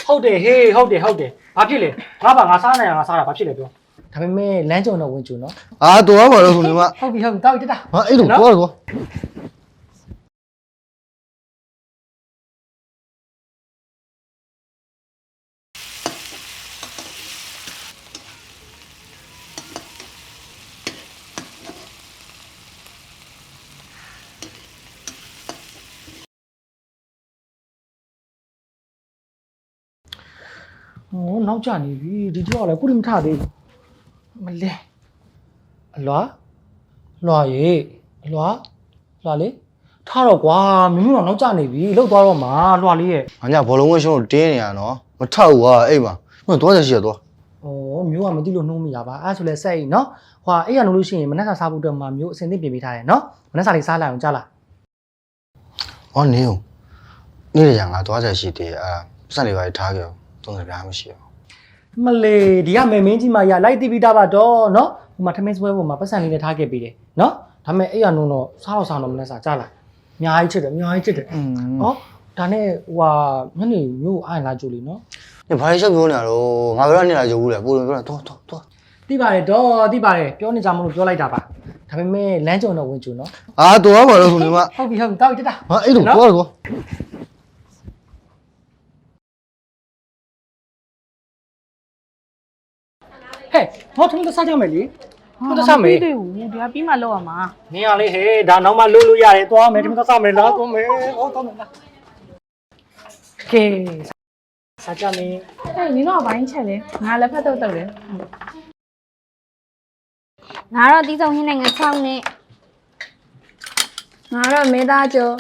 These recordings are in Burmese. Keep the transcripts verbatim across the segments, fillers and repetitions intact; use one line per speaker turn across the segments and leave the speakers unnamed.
ဟုတ်တယ်ဟေးဟုတ်တယ်ဟုတ်တယ်ဘာဖြစ်လဲငါပါငါစားနိုင်ငါစားတာဘာဖြစ်လဲပြောဒါပေမဲ့လမ်းကြုံတော့ဝင်ကြုံနော်
အာတော်ပါတော့ဆိုနေမှာ
ဟုတ်ပြီဟုတ်ပြီတောက်တက်တာ
ဟာအဲ့လိုကောကော
ဟိုနောက်ကျနေပြီဒီတော့လည်းခုထိမထသေးဘူးမလဲအလွာလွာရေအလွာလွာလေထားတော့ကွာမင်းတို့တော့နောက်ကျနေပြီလှုပ်သွားတော့မှာလွာလေးရဲ့
ငါညဘောလုံးဝဲရှုံးကိုတင်းနေရနော်မထောက်ဘူးကွာအဲ့မှာဟိုတော့ရရှိရတော့
ဩမျိုးကမသိလို့နှုံးမိတာပါအဲ့ဆိုလဲစိတ်နော်ဟွာအဲ့ရနိုးလို့ရှိရင်မနက်စာစားဖို့တော့မှမျိုးအစင်သင့်ပြင်ပေးထားတယ်နော်မနက်စာလေးစားလိုက်အောင်ကြားလား
ဟောနေဦးနေ့ရငါသွားကြရှိသေးအဲ့စက်လေးပါထားခဲ့သုံးစပြားမရှိဘူး
မလေးဒီကမေမင်းကြီးမရလိုက်တိပိတာပါတော့နော်ဟိုမှာထမင်းစပွဲပေါ်မှာပတ်စံလေးနဲ့ထားခဲ့ပေးတယ်နော်ဒါပေမဲ့အဲ့ရနိုးတော့စားတော့စားတော့မနက်စာကြားလားအများကြီးချစ်တယ်အများကြီးချစ်တယ်ဟောဒါနဲ့ဟိုဟာညနေမျိုးအိုင်လာကြိုလीနော်
你拍小表呢？喽，俺不让你来就无了，不能不能，多多多。
သိပါတယ်တော့သိပါတယ်ပြောနေကြမလို့ပြောလိုက်တာပါဒါပေမဲ့လမ်းကြုံတော့ဝင်ကြုံနော်
啊，多吧喽，兄弟们。
ဟုတ်ပြီဟုတ်ပြီတောက်တက်တာ
啊，哎，都多了多。
ဟဲ့ဟောထမင်းတော့စားကြမယ်လေဟုတ်တော့စားမယ်
ပြီးသေးဘူးဒီကပြီးမှလောက်ရမှာ
နင်ရလေးဟဲ့ဒါနောက်မှလို့လို့ရတယ်သွားမယ်ထမင်းတော့စားမယ်လားသွားမယ်ဟောသွားမယ်လားကဲစားကြမယ်
ဟဲ့နင်တော့ဘိုင်းချက်လေငါလည်းဖက်တော့တော့လေ
ငါတော့တီးဆုံးဟင်းနဲ့ငါချောင်းနဲ့ငါတော့မေးသားကျော်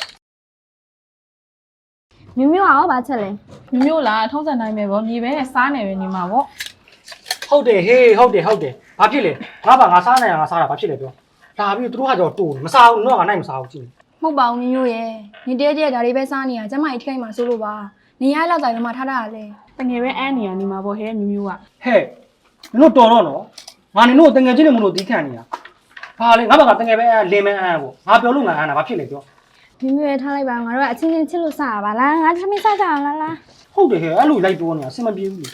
မြမျိုးအောင်ပါချက်လဲ
မျိုးလားထုံးစံတိုင်းပဲဗောမြေပဲနဲ့စားနေပဲနေမှာဗော
ဟုတ်တယ်ဟေးဟုတ်တယ်ဟုတ်တယ်ဘာဖြစ်လဲငါပါငါစားနိုင်ငါစားတာဘာဖြစ်လဲပြောဒါပြီးသူတို့ကကြောတိုးမစားဘူးတော့ငါနိုင်မစားဘူးကြည့်
မဟုတ်ပါဘူးမျိုးရဲ့နေတဲကျဲဒါလေးပဲစားနေရကျမကြီးထိခိုက်မှာစိုးလို့ပါနေရလောက်တိုင်းတော့မှထားတာလေ
တငယ်ပဲအန်းနေရနေမှာဗောဟဲမျိုးမျိုးက
ဟဲ့နင်တို့တော်တော့နော်ငါနင်တို့တငယ်ချင်းတွေမလို့တီးခံနေရဘာလဲငါဘာကတငယ်ပဲလင်းမဲအန်းပေါ့ငါပြောလို့ငါအန်းတာဘာဖြစ်လဲပြော
မြမျိုးရဲ့ထားလိုက်ပါငါတို့ကအချင်းချင်းချစ်လို့စားရပါလားငါသမီးစားကြအောင်လားလား
ဟုတ်တယ်ဟဲ့အဲ့လိုလိုက်ပြောနေတာအဆင်မပြေဘူးလေ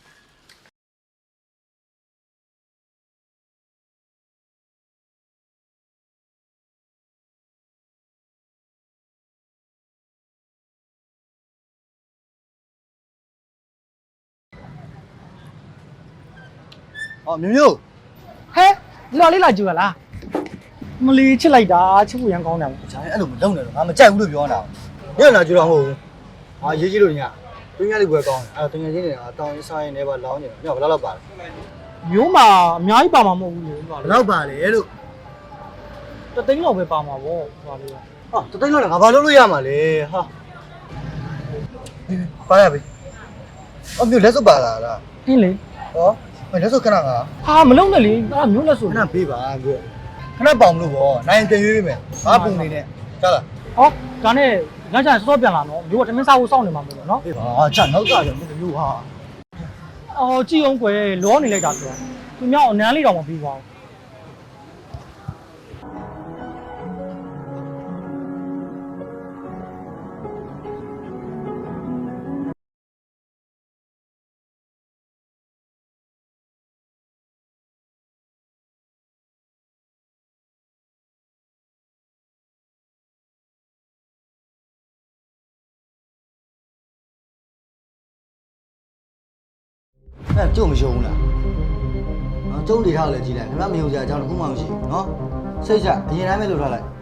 哦，苗苗。
ဟဲ့လွာလေးလာကြည့်ရလားမလီချစ်လိုက်တာချစ်ဖို့ရန်ကောင်းတယ်
ဂျာအဲ့လိုမလုံးနဲ့တော့ငါမကြိုက်ဘူးလို့ပြောနေတာညလာကြတော့မဟုတ်ဘူးဟာရေးကြည့်လို့ညတွင်းရလေးပွဲကောင်းတယ်အဲ့တော့တငယ်ချင်းတွေကတောင်းရင်းစားရင်းနဲ့ပါလောင်းနေတယ်ညဘယ်လောက်ပါလဲ
မျိုးမှာအများကြီးပါမှာမဟုတ်ဘူးလေလွာ
ဘယ်လောက်ပါလဲလို့
တသိန်းလောက်ပဲပါမှာပေါ့လွာလေး
ဟာတသိန်းလောက်လည်းငါဘာလုပ်လို့ရမှာလဲဟာပါရပြီအမျိုးလက်စုပ်ပါလားလား
ဟင်းလေ
ဟောမလက်စုပ်ခဏငါ
ဟာမလုံးနဲ့လေအဲ့မျိုးလက်ဆို
ခဏပေးပါပြောခဏပေါင်လို့ပေါ့နိုင်တင်ရွေးပေးမယ်ဘာပုံနေနဲ့ကြားလား
ဟောဒါနဲ့ညချင်စောစောပြန်လာနော်မျိုးကတမင်းစားဖို့စောင့်နေမှာမလို့နော်
အေးပါချနောက်ကကြမျိုးဟာ
အော်ကြည့်အောင်ကွယ်လောနေလိုက်တာဆိုသူမြောက်အနမ်းလေးတော့မပြီးပါဘူး
အဲ့ကျုပ်မယုံဘူးလားနော်ကျုံနေထားလည်းကြည်လိုက်ခင်ဗျမယုံကြအကြောင်းတစ်ခုမှမရှိဘူးနော်စိတ်ချအရင်တိုင်းပဲလုပ်ထားလိုက်